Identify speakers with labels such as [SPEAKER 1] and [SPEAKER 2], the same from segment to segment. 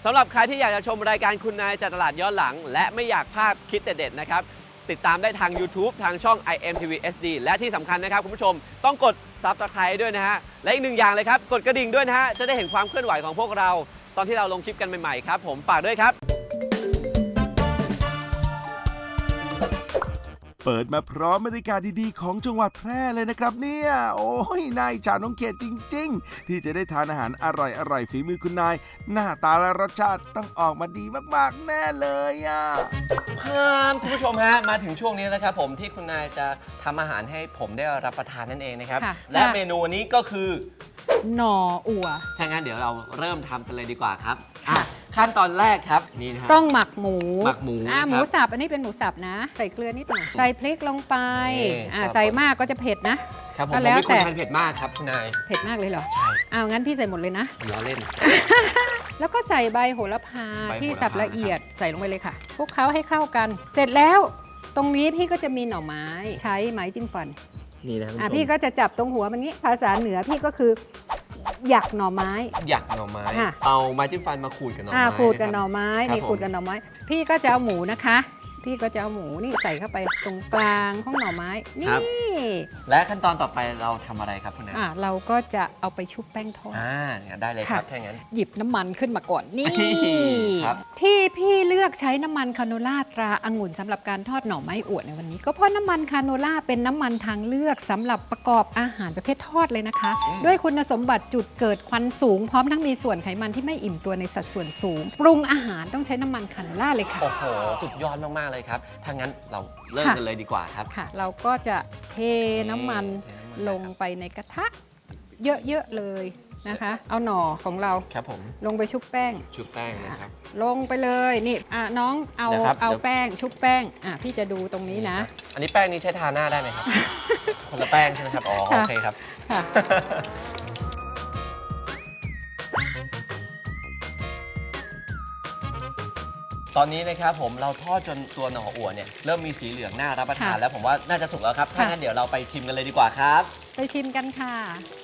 [SPEAKER 1] สำหรับใครที่อยากจะชมรายการคุณนายจากตลาดย้อนหลังและไม่อยากพลาดคลิปเด็ดๆนะครับติดตามได้ทาง YouTube ทางช่อง IMTV SD และที่สำคัญนะครับคุณผู้ชมต้องกด Subscribe ด้วยนะฮะและอีกหนึ่งอย่างเลยครับกดกระดิ่งด้วยนะฮะจะได้เห็นความเคลื่อนไหวของพวกเราตอนที่เราลงคลิปกันใหม่ๆครับผมฝากด้วยครับ
[SPEAKER 2] เปิดมาพร้อมบรรยากาศดีๆของจังหวัดแพร่เลยนะครับเนี่ยโอ้ยนายฉาน้องเขตจริงๆที่จะได้ทานอาหารอร่อยๆฝีมือคุณนายหน้าตาและรสชาติต้องออกมาดีมากๆแน่เลยอ่ะ
[SPEAKER 1] คุณผู้ชมฮะมาถึงช่วงนี้แล้วครับผมที่คุณนายจะทำอาหารให้ผมได้รับประทานนั่นเองนะครับและเมนูนี้ก็คือ
[SPEAKER 3] หน่ออั่ว
[SPEAKER 1] ถ้างั้นเดี๋ยวเราเริ่มทำกันเลยดีกว่าครับขั้นตอนแรกครับนี่นะ
[SPEAKER 3] ต้องหมักหมู
[SPEAKER 1] ห
[SPEAKER 3] มูสับอันนี้เป็นหมูสับนะใส่เกลือนิดหน่อยใส่พริกลงไปใส่มากก็จะเผ็ดนะครับ
[SPEAKER 1] ผมไม่ควรทานเผ็ดมากครับคุณนาย
[SPEAKER 3] เผ็ดมากเลยเหรอ
[SPEAKER 1] ใช่
[SPEAKER 3] งั้นพี่ใส่หมดเลยนะ
[SPEAKER 1] ล้อเล่น
[SPEAKER 3] แล้วก็ใส่ใบโหระพาที่สับละเอียดใส่ลงไปเลยค่ะคลุกเคล้าให้เข้ากัน เสร็จแล้วตรงนี้พี่ก็จะมีหน่อไม้ใช้ไม้จิ้มฟัน
[SPEAKER 1] นี่นะ
[SPEAKER 3] พี่ก็จะจับตรงหัวมันนี้ภาษาเหนือพี่ก็คือหยักหน่อไม้
[SPEAKER 1] เอาไม้จิ้มฟันมาขูดกับหน่อไม้
[SPEAKER 3] ขูดกับหน่อไม้นี่ขูดกับหน่อไม้พี่ก็จะเอาหมูนะคะพี่ก็จะเอาหมูนี่ใส่เข้าไปตรงกลางของหน่อไม้นี่
[SPEAKER 1] และขั้นตอนต่อไปเราทำอะไรครับคุณนาย
[SPEAKER 3] เราก็จะเอาไปชุบแป้งทอด
[SPEAKER 1] ได้เลยครับถ้างั้น
[SPEAKER 3] หยิบน้ำมันขึ้นมาก่อนนี่ที่พี่เลือกใช้น้ำมันคาโนล่าตราองุ่นสำหรับการทอดหน่อไม้อวดในวันนี้ก็เพราะน้ำมันคาโนล่าเป็นน้ำมันทางเลือกสำหรับประกอบอาหารประเภททอดเลยนะคะด้วยคุณสมบัติจุดเกิดควันสูงพร้อมทั้งมีส่วนไขมันที่ไม่อิ่มตัวในสัดส่วนสูงปรุงอาหารต้องใช้น้ำมันคาโนล่าเลยค่ะ
[SPEAKER 1] โอ้โหสุดยอดมากๆเลยครับถ้างั้นเราเริ่มกันเลยดีกว่าครับ
[SPEAKER 3] เราก็จะเทน้ำมันลงไปในกระทะเยอะๆเลยนะคะเอาหน่อของเรา
[SPEAKER 1] ครับผม
[SPEAKER 3] ลงไปชุบแป้ง
[SPEAKER 1] นะครับ
[SPEAKER 3] ลงไปเลยนี่น้องเอาแป้งชุบแป้งพี่จะดูตรงนี้นะ
[SPEAKER 1] อันนี้แป้งนี้ใช้ทาหน้าได้ไหมครับคนละแป้งใช่ไหมครับโอเคครับตอนนี้นะครับผมเราทอดจนตัวหน่ออั่วเนี่ยเริ่มมีสีเหลืองน่ารับประทานแล้วผมว่าน่าจะสุกแล้วครับถ้างั้นเดี๋ยวเราไปชิมกันเลยดีกว่าครับ
[SPEAKER 3] ไปชิมกันค่ะ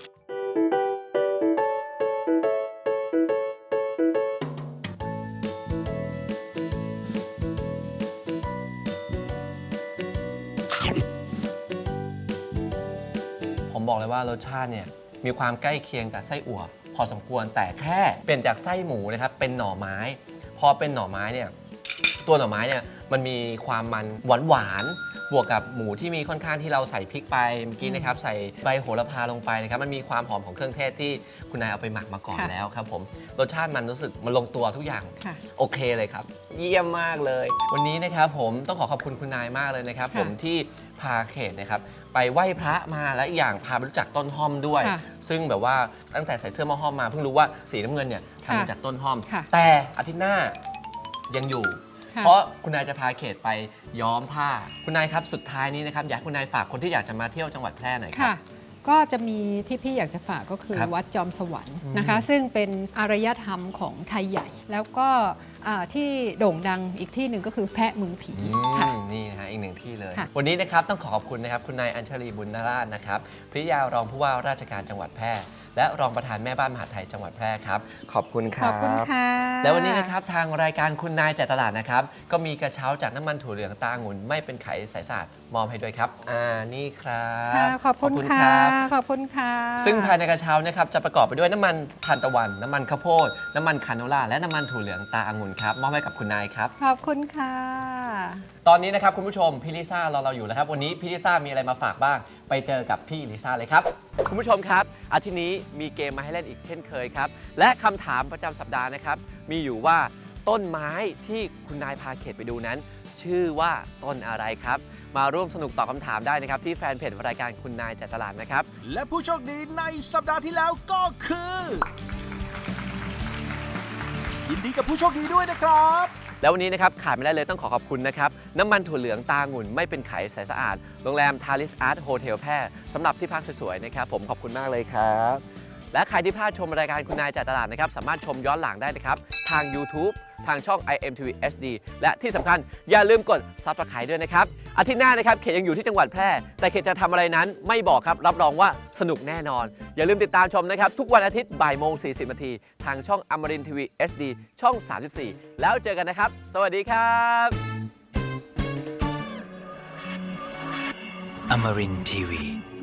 [SPEAKER 1] ผมบอกเลยว่ารสชาติเนี่ยมีความใกล้เคียงกับไส้อั่วพอสมควรแต่แค่เปลี่ยนจากไส้หมูนะครับเป็นหน่อไม้พอเป็นหน่อไม้เนี่ยตัวหน่อไม้เนี่ยมันมีความมันหวานบวกกับหมูที่มีค่อนข้างที่เราใส่พริกไปเมื่อกี้นะครับใส่ใบโหระพาลงไปนะครับมันมีความหอมของเครื่องเทศที่คุณนายเอาไปหมักมาก่อนแล้วครับผมรสชาติมันรู้สึกมันลงตัวทุกอย่างโอเคเลยครับเยี่ยมมากเลยวันนี้นะครับผมต้องขอบคุณคุณนายมากเลยนะครับผมที่พาเขตนะครับไปไหว้พระมาและอีกอย่างพาไปรู้จักต้นห้อมด้วยซึ่งแบบว่าตั้งแต่ใส่เสื้อหม้อห้อมมาเพิ่งรู้ว่าสีน้ำเงินเนี่ยทำมาจากต้นห้อมแต่อาทิตย์หน้ายังอยู่เพราะคุณนายจะพาเขตไปย้อมผ้าคุณนายครับสุดท้ายนี้นะครับอยากคุณนายฝากคนที่อยากจะมาเที่ยวจังหวัดแพร่หน่อยครับ
[SPEAKER 3] ก็จะมีที่พี่อยากจะฝากก็คือวัดจอมสวรรค์นะคะซึ่งเป็นอารยธรรมของไทยใหญ่แล้วก็ที่โด่งดังอีกที่หนึ่งก็คือแพะเมืองผี
[SPEAKER 1] นี่นะฮะอีกหนึ่งที่เลยวันนี้นะครับต้องขอบคุณนะครับคุณนายอัญชลีบุญนาราชนะครับภริยารองผู้ว่าราชการจังหวัดแพร่และรองประธานแม่บ้านมหาดไทยจังหวัดแพร่ครับขอบคุณครับ
[SPEAKER 3] ขอบคุณค่ะ
[SPEAKER 1] แล้ววันนี้นะครับทางรายการคุณนายจ่ายตลาดนะครับก็มีกระเช้าจากน้ำมันถั่วเหลืองตาองุ่นไม่เป็นไขสายสะอาดมอบให้ด้วยครับนี่ครับ
[SPEAKER 3] ขอบคุณค่ะขอบคุณค่ะ
[SPEAKER 1] ซึ่งภายในกระเช้านะครับจะประกอบไปด้วยน้ำมันทานตะวันน้ำมันข้าวโพดน้ำมันคาโนล่าและน้ำมันถั่วเหลืองตาองุ่นครับมอบให้กับคุณนายครับ
[SPEAKER 3] ขอบคุณค่ะ
[SPEAKER 1] ตอนนี้นะครับคุณผู้ชมพี่ลิซ่ารอเราอยู่แล้วครับวันนี้พี่ลิซ่ามีอะไรมาฝากบ้างไปเจอกับพี่ลิซ่าเลยครับคุณผู้ชมครับอาทิตย์นี้มีเกมมาให้เล่นอีกเช่นเคยครับและคำถามประจำสัปดาห์นะครับมีอยู่ว่าต้นไม้ที่คุณนายพาเขตไปดูนั้นชื่อว่าต้นอะไรครับมาร่วมสนุกตอบคำถามได้นะครับที่แฟนเพจรายการคุณนายจ่ายตลาดนะครับ
[SPEAKER 2] และผู้โชคดีในสัปดาห์ที่แล้วก็คือยินดีกับผู้โชคดีด้วยนะครับ
[SPEAKER 1] แล้ววันนี้นะครับขาดไม่ได้เลยต้องขอบคุณนะครับน้ำมันถั่วเหลืองตาองุ่นไม่เป็นไขใสสะอาดโรงแรมทาริสอาร์ตโฮเทลแพร่สำหรับที่พักสวยๆนะครับผมขอบคุณมากเลยครับและใครที่พลาดชมรายการคุณนายจ่ายตลาดนะครับสามารถชมย้อนหลังได้นะครับทาง YouTube ทางช่อง IMTV HD และที่สำคัญอย่าลืมกด Subscribe ด้วยนะครับอาทิตย์หน้านะครับเขตยังอยู่ที่จังหวัดแพร่แต่เขตจะทำอะไรนั้นไม่บอกครับรับรองว่าสนุกแน่นอนอย่าลืมติดตามชมนะครับทุกวันอาทิตย์บ่ายโมง 40 นาทีทางช่องอมรินทร์ทีวี SD ช่อง 34 แล้วเจอกันนะครับสวัสดีครับ
[SPEAKER 4] Amarin Tiwi.